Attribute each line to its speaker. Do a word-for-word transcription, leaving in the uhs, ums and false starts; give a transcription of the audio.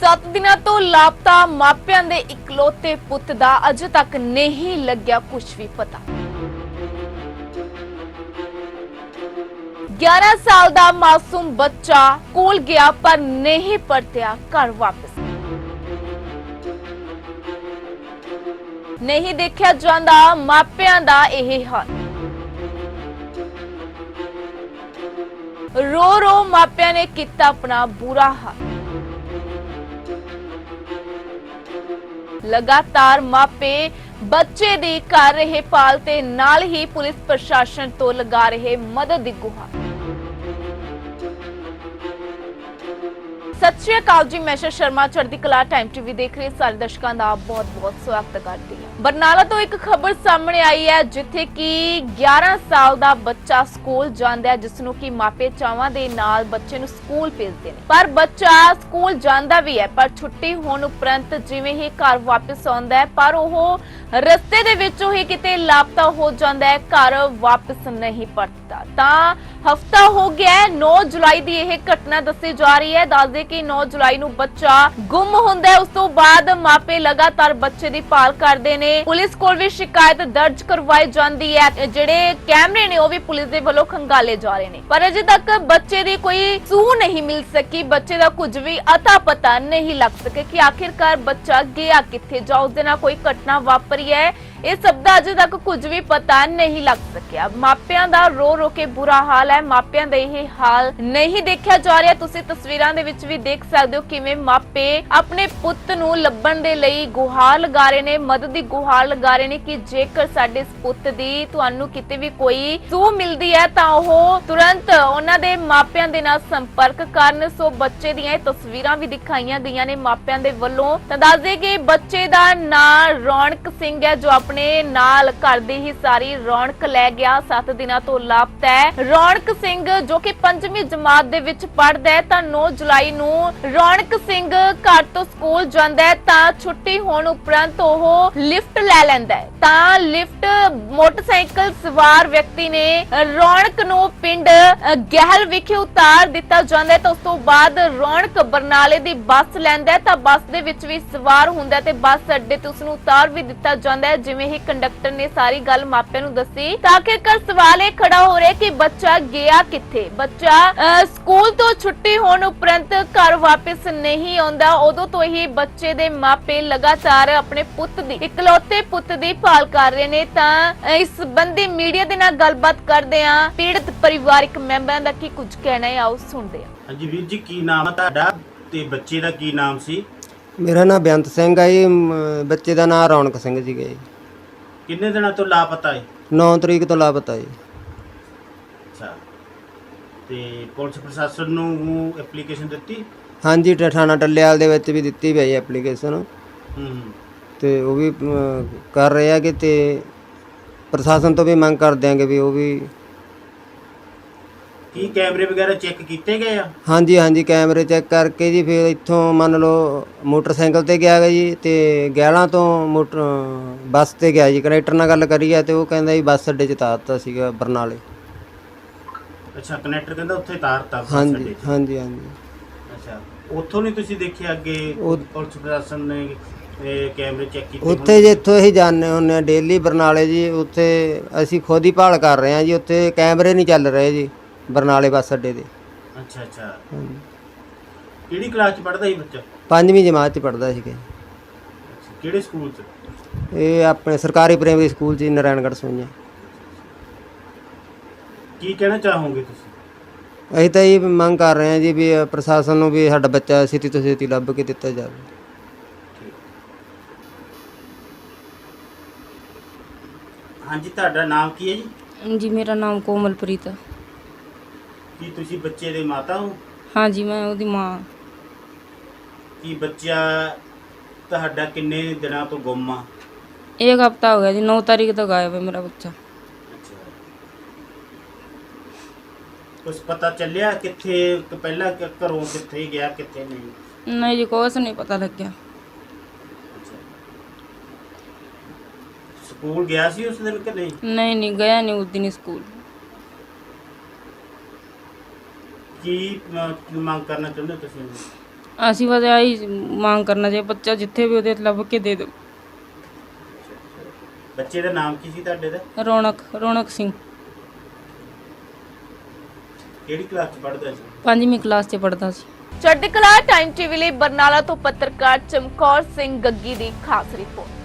Speaker 1: ਸੱਤ ਦਿਨਾਂ ਤੋਂ ਲਾਪਤਾ ਮਾਪਿਆਂ ਦੇ ਇਕਲੌਤੇ ਪੁੱਤ ਦਾ ਅਜੇ ਤੱਕ ਨਹੀਂ ਲੱਗਿਆ ਕੁਝ ਵੀ ਪਤਾ। ਗਿਆਰਾਂ ਸਾਲ ਦਾ ਮਾਸੂਮ ਬੱਚਾ ਸਕੂਲ ਗਿਆ ਪਰ ਨਹੀਂ ਪਰਤਿਆ ਘਰ ਵਾਪਸ। ਨਹੀਂ ਦੇਖਿਆ ਜਾਂਦਾ ਮਾਪਿਆਂ ਦਾ ਇਹ ਹਾਲ। ਰੋ ਰੋ ਮਾਪਿਆਂ ਨੇ ਕੀਤਾ ਆਪਣਾ ਬੁਰਾ ਹਾਲ। लगातार मापे बच्चे दी कर रहे पाल ते नाल ही पुलिस प्रशासन तो लगा रहे मदद दी गुहार। सत श्री अकाल जी, मैं शर्मा चढ़दी कला टाइम टीवी देख रहे सारे दर्शकों का बहुत बहुत स्वागत करती है। बरनाला तो एक खबर सामने आई है जिथे कि ग्यारह साल का बच्चा स्कूल जांदा है, जिसनों की मापे चावां दे नाल बच्चे नूं स्कूल भेजदे ने, पर बच्चा स्कूल जांदा भी है पर छुट्टी होने उपरंत जिवें ही घर वापस आउंदा है पर ओह रस्ते दे विचों ही किते लापता हो जांदा है, घर वापस नहीं परतदा। तां हफ्ता हो गया है, नौ जुलाई की यह घटना दसी जा रही है। दस दे कि नौ जुलाई नूं बच्चा गुम हुंदा है, उस तो बाद मापे लगातार बच्चे की भाल करते ने। पुलिस कोल भी शिकायत दर्ज करवाई जाती है, जिहड़े कैमरे ने वह भी पुलिस दे वल्लों खंगाले जा रहे हैं, पर अजे तक बच्चे की कोई सूह नहीं मिल सकी। बच्चे का कुछ भी अता पता नहीं लग सके कि आखिरकार बच्चा गया किथे जां उस दे नाल कोई घटना वापरी है, इस सब का अजे तक कुछ भी पता नहीं लग सकिया। मापियां दा रो रो के बुरा हाल है, मापियां दा यह हाल नहीं देखा जा रहा। तुसीं तस्वीरां दे विच भी देख सकदे हो किवें मापे अपने पुੱਤ ਨੂੰ ਲੱਭਣ ਦੇ ਲਈ ਗੁਹਾਰ ਲਗਾ ਰਹੇ ਨੇ, ਮਦਦ ਦੀ ਗੁਹਾਰ ਲਗਾ ਰਹੇ ਨੇ ਕਿ ਜੇਕਰ ਸਾਡੇ ਇਸ ਪੁੱਤ ਦੀ ਤੁਹਾਨੂੰ ਕਿਤੇ ਵੀ ਕੋਈ ਸੂਹ ਮਿਲਦੀ ਹੈ ਤਾਂ ਉਹ ਤੁਰੰਤ ਉਹਨਾਂ ਦੇ ਮਾਪਿਆਂ ਦੇ ਨਾਲ ਸੰਪਰਕ ਕਰਨ। ਸੋ ਬੱਚੇ ਦੀਆਂ ਇਹ ਤਸਵੀਰਾਂ ਵੀ ਦਿਖਾਈਆਂ ਗਈਆਂ ਨੇ ਮਾਪਿਆਂ ਦੇ ਵੱਲੋਂ। ਤਾਂ ਦੱਸ ਦੇ ਕਿ ਬੱਚੇ ਦਾ ਨਾਂ ਰੌਣਕ ਸਿੰਘ ਹੈ, ਜੋ ਆਪਣੇ ਨਾਲ ਘਰ ਦੀ ਹੀ ਸਾਰੀ ਰੌਣਕ ਲੈ ਗਿਆ। ਸੱਤ ਦਿਨਾਂ ਤੋਂ ਲਾਪਤਾ ਹੈ ਰੌਣਕ ਸਿੰਘ, ਜੋ ਕਿ ਪੰਜਵੀਂ ਜਮਾਤ ਦੇ ਵਿੱਚ ਪੜ੍ਹਦਾ ਹੈ। ਤਾਂ ਨੌ ਜੁਲਾਈ ਨੂੰ ਰੌਣਕ ਸਿੰਘ ਘਰ ਤੋਂ ਸਕੂਲ ਜਾਂਦਾ ਹੈ ਤਾਂ ਛੁੱਟੀ ਹੋਣ ਉਪਰੰਤ ਉਹ ਲਿਫਟ ਲੈ ਲੈਂਦਾ ਹੈ। ਤਾਂ ਲਿਫਟ ਮੋਟਰਸਾਈਕਲ ਸਵਾਰ ਵਿਅਕਤੀ ਨੇ ਰੌਣਕ ਨੂੰ ਪਿੰਡ ਗਹਿਲ ਵਿਖੇ ਉਤਾਰ ਦਿੱਤਾ ਜਾਂਦਾ ਹੈ। ਤਾਂ ਉਸ ਤੋਂ ਬਾਅਦ ਰੌਣਕ ਬਰਨਾਲੇ ਦੀ ਬੱਸ ਲੈਂਦਾ ਹੈ ਤਾਂ ਬੱਸ ਦੇ ਵਿੱਚ ਵੀ ਸਵਾਰ ਹੁੰਦਾ ਤੇ ਬੱਸ ਅੱਡੇ ਤੇ ਉਸ ਨੂੰ ਉਤਾਰ ਵੀ ਦਿੱਤਾ ਜਾਂਦਾ ਹੈ। ਜਿਵੇਂ ਹੀ ਕੰਡਕਟਰ ਨੇ ਸਾਰੀ ਗੱਲ ਮਾਪਿਆਂ ਨੂੰ ਦੱਸੀ ਤਾਂ ਆਖਿਰਕਾਰ ਸਵਾਲ ਇਹ ਖੜਾ ਹੋ ਰਿਹਾ ਕਿ ਬੱਚਾ ਗਿਆ ਕਿੱਥੇ। ਬੱਚਾ ਸਕੂਲ ਤੋਂ ਛੁੱਟੀ ਹੋਣ ਉਪਰੰਤ ਘਰ ਵਾਪਸ ਨਹੀਂ ਆਉਂਦਾ। ਉਦੋਂ ਤੋਂ ਹੀ ਬੱਚੇ ਦੇ ਮਾਪੇ ਲਗਾਤਾਰ ਆਪਣੇ ਪੁੱਤ ਦੀ ਇਕਲੌਤੇ ਪੁੱਤ ਦੀ ਭਾਲ ਕਰ ਰਹੇ ਨੇ। ਤਾਂ ਇਸ ਸੰਬੰਧੀ ਮੀਡੀਆ ਦੇ ਨਾਲ ਗੱਲਬਾਤ ਕਰਦੇ ਆ ਪੀੜਤ ਪਰਿਵਾਰਕ ਮੈਂਬਰਾਂ ਦਾ ਕੀ ਕੁਝ ਕਹਿਣਾ ਹੈ, ਆਓ ਸੁਣਦੇ ਹਾਂ।
Speaker 2: ਹਾਂਜੀ ਵੀਰ ਜੀ, ਕੀ ਨਾਮ ਹੈ ਤੁਹਾਡਾ ਤੇ ਬੱਚੇ ਦਾ ਕੀ ਨਾਮ ਸੀ?
Speaker 3: ਮੇਰਾ ਨਾਮ ਬੇਅੰਤ ਸਿੰਘ ਹੈ ਜੀ, ਬੱਚੇ ਦਾ ਨਾਮ ਰੌਣਕ ਸਿੰਘ ਸੀਗਾ ਜੀ।
Speaker 2: ਕਿੰਨੇ ਦਿਨਾਂ ਤੋਂ ਲਾਪਤਾ ਹੈ?
Speaker 3: ਨੌ ਤਰੀਕ ਤੋਂ ਲਾਪਤਾ ਜੀ।
Speaker 2: ਅੱਛਾ, ਤੇ ਪੁਲਿਸ ਪ੍ਰਸ਼ਾਸਨ ਨੂੰ ਐਪਲੀਕੇਸ਼ਨ ਦਿੱਤੀ?
Speaker 3: ਹਾਂਜੀ, ਠਾਣਾ ਟੱਲੇਵਾਲ ਦੇ ਵਿੱਚ ਵੀ ਦਿੱਤੀ ਪਈ ਐਪਲੀਕੇਸ਼ਨ,
Speaker 2: ਹੂੰ,
Speaker 3: ਤੇ ਉਹ ਵੀ ਅਮ, ਕਰ ਰਹੇ ਆ ਕਿ ਤੇ ਪ੍ਰਸ਼ਾਸਨ ਤੋਂ ਵੀ ਮੰਗ ਕਰਦੇ ਆਂਗੇ ਵੀ ਉਹ ਵੀ।
Speaker 2: ਕੀ ਕੈਮਰੇ ਵਗੈਰਾ ਚੈੱਕ ਕੀਤੇ ਗਏ ਆ?
Speaker 3: ਹਾਂਜੀ ਹਾਂਜੀ, ਕੈਮਰੇ ਚੈੱਕ ਕਰਕੇ ਜੀ ਫਿਰ ਇੱਥੋਂ ਮੰਨ ਲਓ ਮੋਟਰਸਾਈਕਲ ਤੇ ਗਿਆ ਗਾ ਜੀ, ਤੇ ਗਹਿਲਾਂ ਤੋਂ ਮੋਟਰ ਬੱਸ ਤੇ ਗਿਆ ਜੀ। ਕੰਡਕਟਰ ਨਾਲ ਗੱਲ ਕਰੀ ਆ ਤੇ ਉਹ ਕਹਿੰਦਾ ਜੀ ਬੱਸ ਅੱਡੇ 'ਚ ਉਤਾਰਤਾ ਸੀਗਾ ਬਰਨਾਲੇ।
Speaker 2: ਅੱਛਾ, ਕਨੈਕਟਰ ਕਹਿੰਦਾ ਉੱਥੇ ਤਾਰਤਾ ਬੱਸ
Speaker 3: ਹਾਂਜੀ
Speaker 2: ਅੱਡੇ 'ਚ।
Speaker 3: ਹਾਂਜੀ ਹਾਂਜੀ।
Speaker 2: ਅੱਛਾ, ਉੱਥੋਂ ਨਹੀਂ ਤੁਸੀਂ ਦੇਖਿਆ ਅੱਗੇ
Speaker 3: ਉਹ-
Speaker 2: ਪੁਲਿਸ ਪ੍ਰਸ਼ਾਸਨ ਨੇ ਇਹ ਕੈਮਰੇ ਚੈੱਕ ਕੀਤੇ?
Speaker 3: ਉੱਥੇ ਜੇ ਇੱਥੋਂ ਅਸੀਂ ਜਾਂਦੇ ਹੁੰਦੇ ਹਾਂ ਡੇਲੀ ਬਰਨਾਲੇ ਜੀ, ਉੱਥੇ ਅਸੀਂ ਖੁਦ ਹੀ ਭਾਲ ਕਰ ਰਹੇ ਹਾਂ ਜੀ। ਉੱਥੇ ਕੈਮਰੇ ਨਹੀਂ ਚੱਲ ਰਹੇ ਜੀ ਬਰਨਾਲੇ ਬੱਸ ਅੱਡੇ ਦੇ।
Speaker 2: ਅੱਛਾ ਅੱਛਾ,
Speaker 3: ਹਾਂਜੀ,
Speaker 2: ਕਿਹੜੀ ਕਲਾਸ 'ਚ ਪੜ੍ਹਦਾ ਸੀ ਬੱਚਾ?
Speaker 3: ਪੰਜਵੀਂ ਜਮਾਤ 'ਚ ਪੜ੍ਹਦਾ ਸੀਗਾ।
Speaker 2: ਅੱਛਾ, ਕਿਹੜੇ ਸਕੂਲ 'ਚ?
Speaker 3: ਇਹ ਆਪਣੇ ਸਰਕਾਰੀ ਪ੍ਰਾਇਮਰੀ ਸਕੂਲ 'ਚ ਨਾਰਾਇਣਗੜ੍ਹ ਸੋਈਆਂ।
Speaker 2: ਕੀ ਕਹਿਣਾ ਚਾਹੋਗੇ ਤੁਸੀਂ?
Speaker 3: ਅਸੀਂ ਤਾਂ ਇਹ ਮੰਗ ਕਰ ਰਹੇ ਹਾਂ ਜੀ ਵੀ ਪ੍ਰਸ਼ਾਸਨ ਨੂੰ ਵੀ ਸਾਡਾ ਬੱਚਾ ਛੇਤੀ ਤੋਂ ਛੇਤੀ ਲੱਭ ਕੇ ਦਿੱਤਾ ਜਾਵੇ।
Speaker 2: ਹਾਂਜੀ, ਤੁਹਾਡਾ ਨਾਮ ਕੀ ਹੈ ਜੀ?
Speaker 4: जी मेरा नाम कोमलप्रीत है।
Speaker 2: ਕੀ ਤੁਸੀਂ ਬੱਚੇ ਦੇ ਮਾਤਾ ਹੋ?
Speaker 4: हाँ जी, मैं ਉਹਦੀ ਮਾਂ।
Speaker 2: ਕੀ ਬੱਚਾ ਤੁਹਾਡਾ ਕਿੰਨੇ ਦਿਨਾਂ ਤੋਂ ਗੁੰਮ ਆ?
Speaker 4: एक हफ्ता हो गया जी, नौ तारीख तक गायब है मेरा बच्चा।
Speaker 2: ਅੱਛਾ, ਕੁਛ ਪਤਾ ਚੱਲਿਆ ਕਿੱਥੇ ਕਿ ਪਹਿਲਾਂ ਕਿ ਘਰੋਂ ਕਿੱਥੇ ਗਿਆ ਕਿੱਥੇ ਨਹੀਂ?
Speaker 4: नहीं जी, कुछ नहीं पता लग गया।
Speaker 2: ਅੱਛਾ, ਸਕੂਲ ਗਿਆ ਸੀ ਉਸ ਦਿਨ ਕਿ ਨਹੀਂ?
Speaker 4: नहीं नहीं गया नहीं उस दिन स्कूल।
Speaker 2: ਕੀ ਮ- ਕੀ ਮੰਗ ਕਰਨਾ ਚਾਹੁੰਦੇ ਹੋ ਤੁਸੀਂ?
Speaker 4: ਅਸੀਂ ਬਸ ਆਹੀ ਮੰਗ ਕਰਨਾ ਚਾਹੀਏ ਬੱਚਾ ਜਿੱਥੇ ਵੀ ਉਹਦੇ ਲੱਭ ਕੇ ਦੇ ਦਿਓ।
Speaker 2: ਬੱਚੇ ਦਾ ਨਾਮ ਕੀ ਸੀ ਤੁਹਾਡੇ ਦਾ?
Speaker 4: ਰੌਣਕ ਰੌਣਕ ਸਿੰਘ
Speaker 2: ਕਿਹੜੀ ਕਲਾਸ ਚ ਪੜ੍ਹਦਾ ਸੀ?
Speaker 4: ਪੰਜਵੀਂ ਕਲਾਸ 'ਚ ਪੜ੍ਹਦਾ ਸੀ।
Speaker 1: ਚੜ੍ਹਦੀ ਕਲਾ ਟਾਈਮ ਟੀਵੀ ਲਈ ਬਰਨਾਲਾ ਤੋਂ ਪੱਤਰਕਾਰ ਚਮਕੌਰ ਸਿੰਘ ਗੱਗੀ ਦੀ ਖਾਸ ਰਿਪੋਰਟ।